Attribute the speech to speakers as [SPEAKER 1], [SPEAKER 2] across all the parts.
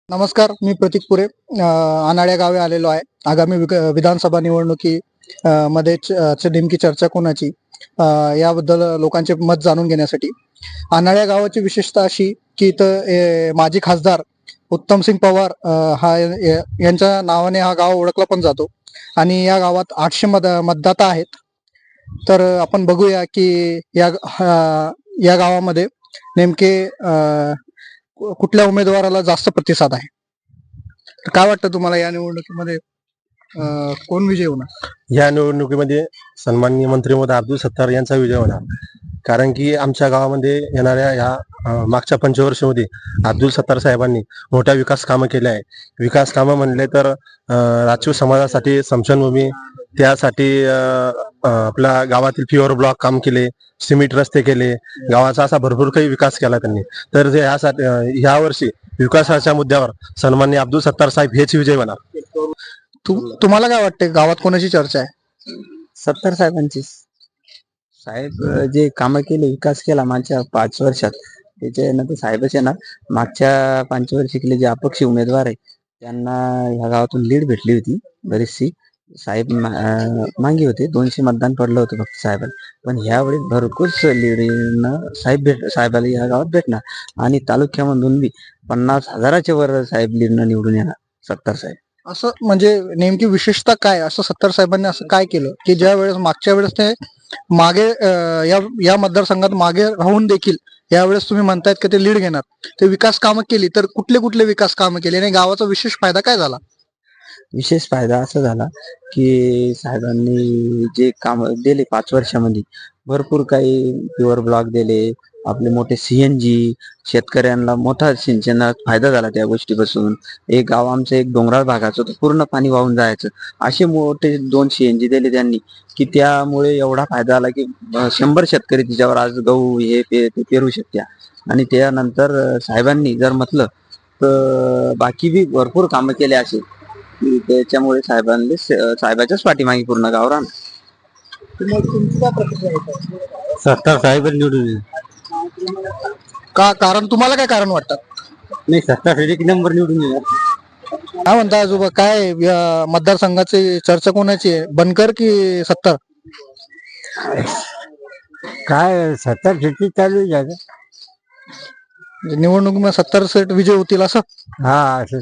[SPEAKER 1] नमस्कार, मी प्रतीक पुरे अनाड्या गावी आलेलो आहे. आगामी विधानसभा निवडणुकी मध्ये नेमकी चर्चा कोणाची याबद्दल लोकांचे मत जाणून घेण्यासाठी. अनाड्या गावाची विशेषता अशी की इथं माजी खासदार उत्तमसिंग पवार यांच्या नावाने हा गाव ओळखला पण जातो आणि या गावात 800 मतदाता आहेत. तर आपण बघूया की या गावामध्ये नेमके कुठल्या उमेदवाराला जास्त प्रतिसाद आहे. तर काय वाटतं तुम्हाला या निवडणुकीमध्ये कोण विजय होणार?
[SPEAKER 2] या निवडणुकीमध्ये सन्माननीय मंत्री महोदय अब्दुल सत्तार यांचा विजय होणार. कारण की आमच्या गावामध्ये येणाऱ्या या मागच्या पंचवर्षामध्ये अब्दुल सत्तार साहेबांनी मोठ्या विकास कामं केले आहे. विकास कामं म्हणले तर राजकीय समाजासाठी स्मशानभूमी, त्यासाठी आपल्या गावातील प्युअर ब्लॉक काम केले, सिमेंट रस्ते केले, गावाचा असा भरपूर काही विकास केला त्यांनी. तर ह्या वर्षी विकासाच्या मुद्द्यावर सन्माननीय अब्दुल सत्तार साहेब हेच विजय होणार.
[SPEAKER 1] तुम्हाला काय वाटते गावात कोणाची चर्चा आहे?
[SPEAKER 3] सत्तार साहेबांची. साहेब जे कामं केले, विकास केला मागच्या 5 वर्षात, त्याच्यानंतर साहेबच येणार. मागच्या 5 वर्षिकले जे अपक्ष उमेदवार आहे त्यांना ह्या गावातून लीड भेटली होती बरीचशी. साहेब मागे होते, 200 मतदान पडलं होतं फक्त साहेबांना. पण ह्यावेळी भरपूर लीडनं साहेबाला ह्या गावात भेटणार आणि तालुक्यामधून बी 50,000च्या वर साहेब लीडनं निवडून येणार सत्तार साहेब.
[SPEAKER 1] असं म्हणजे नेमकी विशेषता काय, असं सत्तार साहेबांनी असं काय केलं की ज्या वेळेस मागच्या वेळेस ते मागे या मतदारसंघात मागे राहून देखील यावेळेस तुम्ही म्हणतायत की ते लीड घेणार, ते विकास कामं केली, तर कुठले कुठले विकास कामं केली आणि गावाचा विशेष फायदा काय झाला?
[SPEAKER 3] विशेष फायदा असा झाला की साहेबांनी जे काम दिले 5 वर्षामध्ये, भरपूर काही प्युअर ब्लॉक दिले, आपले मोठे सीएनजी, शेतकऱ्यांना मोठा सिंचनात फायदा झाला त्या गोष्टीपासून. एक गाव आमचं एक डोंगराळ भागाचं होतं, पूर्ण पाणी वाहून जायचं. असे मोठे 2 सीएनजी दिले त्यांनी की त्यामुळे एवढा फायदा झाला की 100 शेतकरी तिच्यावर आज गहू हे ते पेरू शकत्या. आणि त्यानंतर साहेबांनी जर म्हटलं तर बाकी बी भरपूर कामं केले असे की त्याच्यामुळे साहेबाच्याच पाठीमागे पूर्ण गाव राहणार.
[SPEAKER 2] सत्तार साहेब निवडून
[SPEAKER 1] का कारण तुम्हाला काय कारण वाटतं?
[SPEAKER 2] नाही, सत्तार एक नंबर निवडून येणार.
[SPEAKER 1] काय म्हणता आजोबा, काय या मतदारसंघाची चर्चा कोणाची आहे, बनकर की सत्तार?
[SPEAKER 2] काय 70 शेती चालू आहे.
[SPEAKER 1] निवडणुकीमध्ये 70 सीट विजय होतील असं
[SPEAKER 2] असं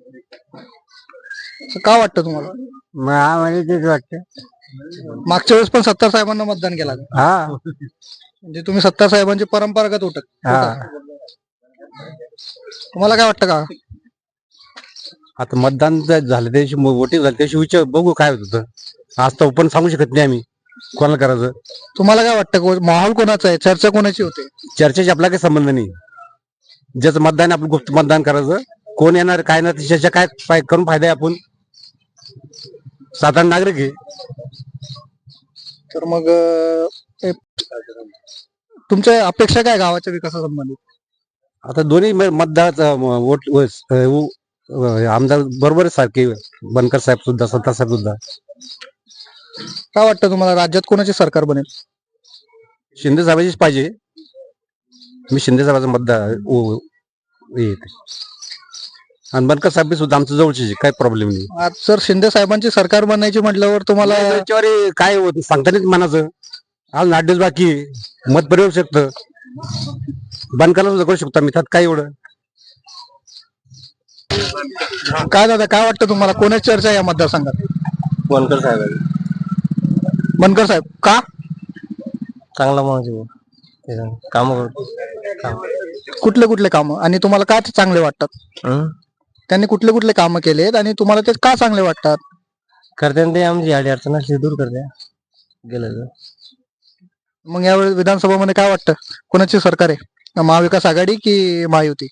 [SPEAKER 1] का वाटतं तुम्हाला?
[SPEAKER 2] आम्हाला तेच वाटतं.
[SPEAKER 1] मागच्या वेळेस पण सत्तार साहेबांना मतदान केलं का? म्हणजे तुम्ही सत्तार साहेबांची परंपरागत होत. तुम्हाला काय वाटतं का?
[SPEAKER 2] आता मतदान झालं त्याशी वोटिंग झालं त्याशी विचार बघू काय होत होतं. आज तर पण सांगू शकत नाही आम्ही कोणाला करायचं.
[SPEAKER 1] तुम्हाला काय वाटतं माहोल कोणाचा आहे, चर्चा कोणाची होते?
[SPEAKER 2] चर्चेशी आपला काही संबंध नाही. ज्याचं मतदान आपण गुप्त मतदान करायचं, कोण येणार काय ना त्याच्या काय करून फायदा आहे. आपण साधारण नागरिक आहे.
[SPEAKER 1] तर मग तुमच्या अपेक्षा काय गावाच्या विकासासंबंधित?
[SPEAKER 2] आता दोन्ही मतदार आमदार बरोबर सारखे, बनकर साहेब सुद्धा, सत्तार साहेब सुद्धा.
[SPEAKER 1] काय वाटतं तुम्हाला राज्यात कोणाचे सरकार बनेल?
[SPEAKER 2] शिंदे साहेबाचीच पाहिजे. मी शिंदे साहेबाचा मतदार आणि बनकर साहेब सुद्धा आमच्या जवळचे, काही प्रॉब्लेम नाही.
[SPEAKER 1] आज जर शिंदे साहेबांची सरकार बनायची म्हटल्यावर तुम्हाला
[SPEAKER 2] काय होत सांगता नाही मनाचं. आज 8 दिवस बाकी मत बरे होऊ शकतं. बनकरला सुद्धा करू शकतो आम्ही, त्यात काय एवढं.
[SPEAKER 1] काय दादा, काय वाटतं तुम्हाला कोणाची चर्चा आहे या मतदारसंघात?
[SPEAKER 2] बनकर साहेब
[SPEAKER 1] बनकर साहेब का?
[SPEAKER 2] चांगला माणूस काम
[SPEAKER 1] कुठले कुठले काम आणि तुम्हाला का ते चांगले वाटतात? त्यांनी कुठले कुठले काम केलेत आणि तुम्हाला ते का चांगले वाटतात?
[SPEAKER 2] करते ते आमची अडी अडचण असली दूर करते गेलं.
[SPEAKER 1] मग यावेळी विधानसभामध्ये काय वाटतं कोणाची सरकार आहे, महाविकास आघाडी की महायुती?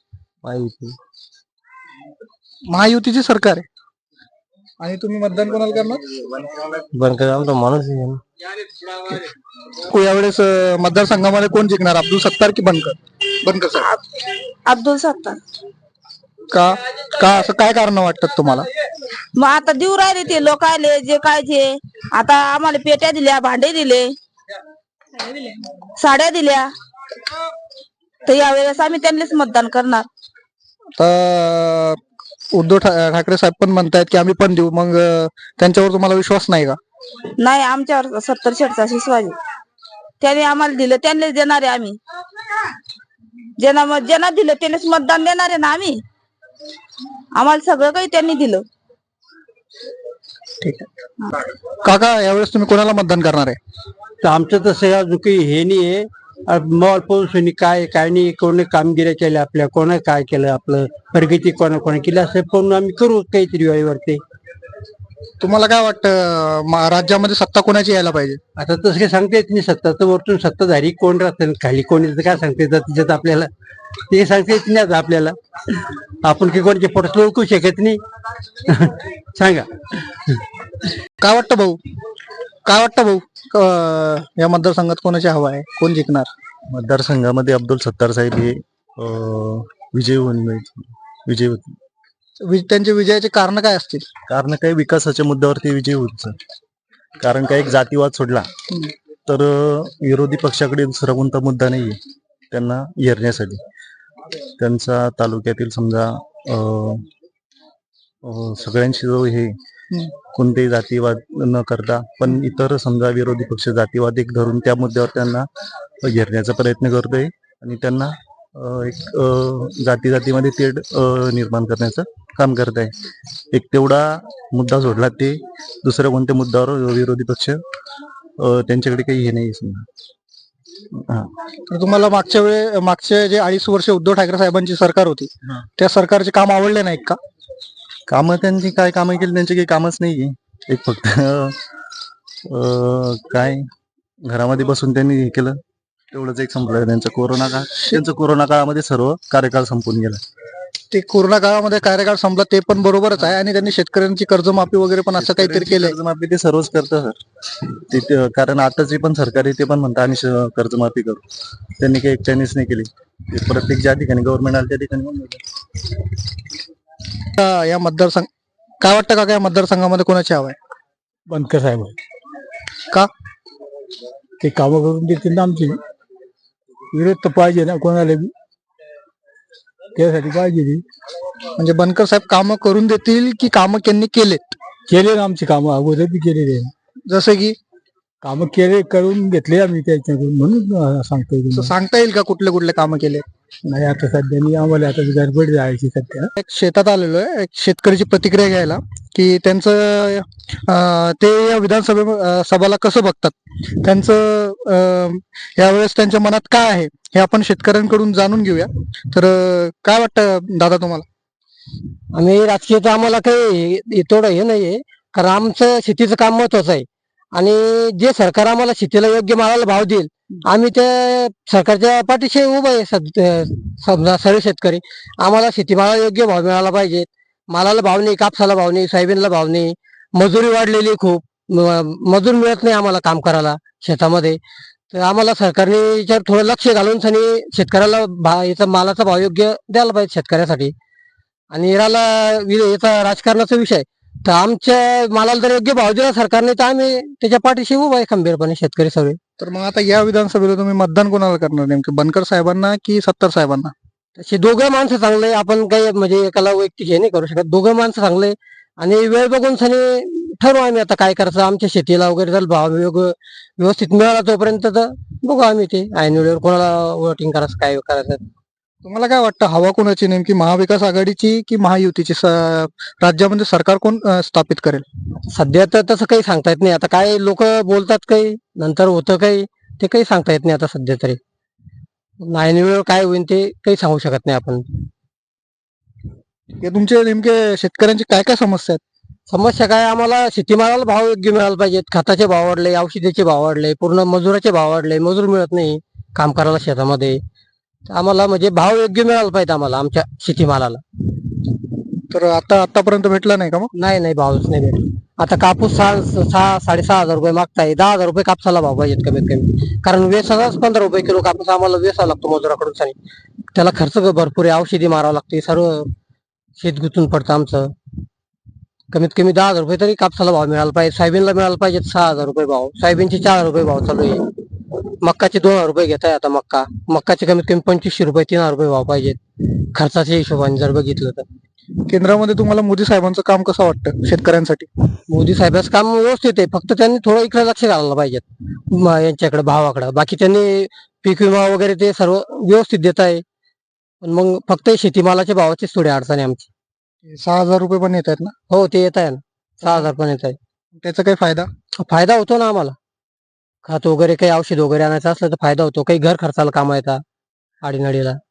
[SPEAKER 1] महायुतीची सरकार आहे. आणि तुम्ही मतदान कोणाला करणार?
[SPEAKER 2] बनकर आमचा माणूस आहे.
[SPEAKER 1] यावेळेस मतदारसंघामध्ये कोण जिंकणार, अब्दुल सत्तार की बनकर? बनकर साहेब.
[SPEAKER 4] अब्दुल सत्तार.
[SPEAKER 1] का का असं काय कारण वाटतात तुम्हाला?
[SPEAKER 4] मग आता देऊ राहिले ते लोक आले जे काय ते. आता आम्हाला पेट्या दिल्या, भांडे दिले, साड्या दिल्या, तर यावेळेस आम्ही त्यांनीच मतदान करणार.
[SPEAKER 1] तर उद्धव ठाकरे साहेब पण म्हणतायत की आम्ही पण देऊ, मग त्यांच्यावर तुम्हाला विश्वास नाही का?
[SPEAKER 4] नाही, आमच्यावर 70 शेटचा शिसवाजी त्याने आम्हाला दिलं, त्यांनीच देणार आहे आम्ही. ज्यांना दिलं त्यानेच मतदान देणार आहे ना आम्ही. आम्हाला सगळं काही त्यांनी दिलं.
[SPEAKER 1] ठीक आहे. काका, यावेळेस तुम्ही कोणाला मतदान करणार आहे?
[SPEAKER 5] तर आमचं तसं अजून काही हे नाही आहे. मॉल पाऊस काय काय नाही, कोणी कामगिरी केल्या आपल्या, कोणा काय केलं, आपलं प्रगती कोणा केली, असं पण आम्ही करू काहीतरी वेळेवरती.
[SPEAKER 1] तुम्हाला काय वाटतं राज्यामध्ये सत्ता कोणाची यायला पाहिजे?
[SPEAKER 5] आता तसं काही सांगता येत नाही. सत्ता तर वरतून सत्ताधारी कोण राहतं, खाली कोण येतं काय सांगता येतं तिच्यात आपल्याला, ते सांगता येत नाही आता आपल्याला. आपण काही कोणाचे फोटो ओळखू शकत नाही. सांगा
[SPEAKER 1] काय वाटतं भाऊ? काय वाटतं भाऊ? या मतदारसंघात कोणाची हवा आहे? कोण जिंकणार?
[SPEAKER 2] मतदारसंघामध्ये अब्दुल सत्तार साहेब हे विजय होतील.
[SPEAKER 1] त्यांच्या विजयाचे कारण काय असतील?
[SPEAKER 2] कारण काही विकासाच्या मुद्द्यावरती विजय होत. कारण काही एक जातीवाद सोडला तर विरोधी पक्षाकडे दुसरा कोणता मुद्दा नाहीये त्यांना येरण्यासाठी. त्यांचा तालुक्यातील समजा सगळ्यांशी जो हे कोणतेही जातीवाद न करता, पण इतर समजा विरोधी पक्ष जातीवाद एक धरून त्या मुद्द्यावर त्यांना घेरण्याचा प्रयत्न करतोय आणि त्यांना एक जातीमध्ये तेढ निर्माण करण्याचं काम करत आहे. एक तेवढा मुद्दा सोडला ते दुसऱ्या कोणत्या मुद्द्यावर विरोधी पक्ष त्यांच्याकडे काही हे नाही समजा.
[SPEAKER 1] तर तुम्हाला मागचे जे 2.5 वर्ष उद्धव ठाकरे साहेबांची सरकार होती, त्या सरकारचे काम आवडले नाहीत का?
[SPEAKER 2] कामं त्यांची काय कामं केली, त्यांची काही कामच नाहीये. एक फक्त काय घरामध्ये बसून त्यांनी हे केलं तेवढंच एक संपलं त्यांचं कोरोना काळामध्ये सर्व कार्यकाळ संपून गेला.
[SPEAKER 1] ते कोरोना काळामध्ये कार्यकाळ संपला ते पण बरोबरच आहे, आणि त्यांनी शेतकऱ्यांची कर्जमाफी वगैरे पण असं काहीतरी केलंय.
[SPEAKER 2] कर्जमाफी ते सर्वच करतं सर. कारण आताची पण सरकार आहे ते पण म्हणतात आम्ही कर्जमाफी करू. त्यांनी काही एकट्यानेच नाही केली. ते प्रत्येक ज्या ठिकाणी गव्हर्नमेंट आलं त्या ठिकाणी
[SPEAKER 1] या मतदारसंघ काय वाटतं का या मतदारसंघामध्ये कोणाची हवा आहे?
[SPEAKER 5] बनकर साहेब
[SPEAKER 1] का?
[SPEAKER 5] ते कामं करून देतील ना आमची. विरोध तर पाहिजे ना कोणाला बी, त्यासाठी पाहिजे ती.
[SPEAKER 1] म्हणजे बनकर साहेब कामं करून देतील की कामं त्यांनी केलेत?
[SPEAKER 5] केले ना आमची कामं, अगोदर बी केलेले.
[SPEAKER 1] जसे की
[SPEAKER 5] कामं केले, करून घेतले आम्ही त्याच्याकडून, म्हणून सांगतोय.
[SPEAKER 1] सांगता येईल का कुठले कुठले कामं केले?
[SPEAKER 5] नाही आता सध्या आम्हाला आता गडबड जायची सध्या.
[SPEAKER 1] एक शेतात आलेलो आहे, एक शेतकऱ्याची प्रतिक्रिया घ्यायला की त्यांचं ते या सभाला कसं बघतात, त्यांचं यावेळेस त्यांच्या मनात काय आहे हे आपण शेतकऱ्यांकडून जाणून घेऊया. तर काय वाटतं दादा तुम्हाला?
[SPEAKER 6] आम्ही राजकीय तर आम्हाला काही थोडं हे नाहीये, कारण आमचं शेतीचं काम महत्वाचं आहे. आणि जे सरकार आम्हाला शेतीला योग्य मालाला भाव देईल, आम्ही त्या सरकारच्या पाठीशी उभं आहे. समजा सर्व शेतकरी, आम्हाला शेतीमालाला योग्य भाव मिळाला पाहिजे. मालाला भाव नाही, कापसाला भाव नाही, सोयाबीनला भाव नाही, मजुरी वाढलेली खूप, मजूर मिळत नाही आम्हाला काम करायला शेतामध्ये. तर आम्हाला सरकारने याच्यावर थोडं लक्ष घालून शेतकऱ्याला याचा मालाचा भाव योग्य द्यायला पाहिजे शेतकऱ्यासाठी. आणि याचा राजकारणाचा विषय, तर आमच्या मालाला जर योग्य भाव दिला सरकारने तर आम्ही त्याच्या पाठीशी उभा आहे खंबीरपणे शेतकरी सगळे.
[SPEAKER 1] तर मग आता या विधानसभेला तुम्ही मतदान कोणाला करणार, नेमके बनकर साहेबांना की सत्तार साहेबांना?
[SPEAKER 6] तसे दोघं माणसं चांगले, आपण काही म्हणजे एकाला वैयक्तिक हे नाही करू शकत. दोघं माणसं चांगले, आणि वेळ बघून ठरवू आम्ही आता काय करायचं. आमच्या शेतीला वगैरे जर भाव व्यवस्थित मिळाला तोपर्यंत तर बघू आम्ही ते ऐन वेळेवर कोणाला वोटिंग करायचं, काय करायचं.
[SPEAKER 1] तुम्हाला काय वाटतं हवा कोणाची, नेमकी महाविकास आघाडीची की महायुतीची? राज्यामध्ये सरकार कोण स्थापित करेल?
[SPEAKER 6] सध्या तर तसं काही सांगता येत नाही. आता काय लोक बोलतात, काही नंतर होतं काही, ते काही सांगता येत नाही आता सध्या तरी. ऐन वेळेवर काय होईल ते काही सांगू शकत नाही आपण.
[SPEAKER 1] हे तुमचे नेमके शेतकऱ्यांची काय काय समस्या आहेत?
[SPEAKER 6] समस्या काय, आम्हाला शेतीमालाला भाव योग्य मिळाला पाहिजेत. खताचे भाव वाढले, औषधाचे भाव वाढले, पूर्ण मजुराचे भाव वाढले, मजूर मिळत नाही काम करायला शेतामध्ये. आम्हाला म्हणजे भाव योग्य मिळाला पाहिजे आम्हाला आमच्या शेतीमालाला.
[SPEAKER 1] तर आतापर्यंत भेटला नाही का? मग
[SPEAKER 6] नाही भावच नाही भेटला. आता कापूस 6,500 रुपये मागताय, 10,000 रुपये कापसाला भाव पाहिजेत कमीत कमी. कारण वेसालाच 15 रुपये किलो कापूस आम्हाला वेसावा लागतो मजुराकडून. त्याला खर्च भरपूर आहे, औषधी मारावं लागते, सर्व शेत गुंतून पडतं आमचं. कमीत कमी 10,000 रुपये तरी कापसाला भाव मिळाला पाहिजे. सोयाबीनला मिळाला पाहिजे 6,000 रुपये भाव. सोयाबीनचे 4 रुपये भाव चालू आहे. मक्काचे 2,000 रुपये घेत आहे आता. मक्काचे कमीत कमी 2500 रुपये 3,000 रुपये भाव पाहिजेत खर्चाच्या हिशोबाने जर बघितलं तर.
[SPEAKER 1] केंद्रामध्ये तुम्हाला मोदी साहेबांचं काम कसं वाटतं शेतकऱ्यांसाठी?
[SPEAKER 6] मोदी साहेबांचं काम व्यवस्थित आहे, फक्त त्यांनी थोडं इकडे लक्ष घालायला पाहिजेत यांच्याकडे भावाकडे. बाकी त्यांनी पीक विमा वगैरे ते सर्व व्यवस्थित देत आहे, पण मग फक्त शेतीमालाच्या भावाचीच थोडी अडचण आहे आमची.
[SPEAKER 1] 6,000 रुपये पण येत आहेत ना,
[SPEAKER 6] हो, ते येत आहे ना, 6,000 पण येत आहे.
[SPEAKER 1] त्याचा काही फायदा?
[SPEAKER 6] फायदा होतो ना आम्हाला, खत वगैरे काही औषध वगैरे आणायचं असलं तर फायदा होतो, काही घर खर्चाला कामा येतात आडीनडीला.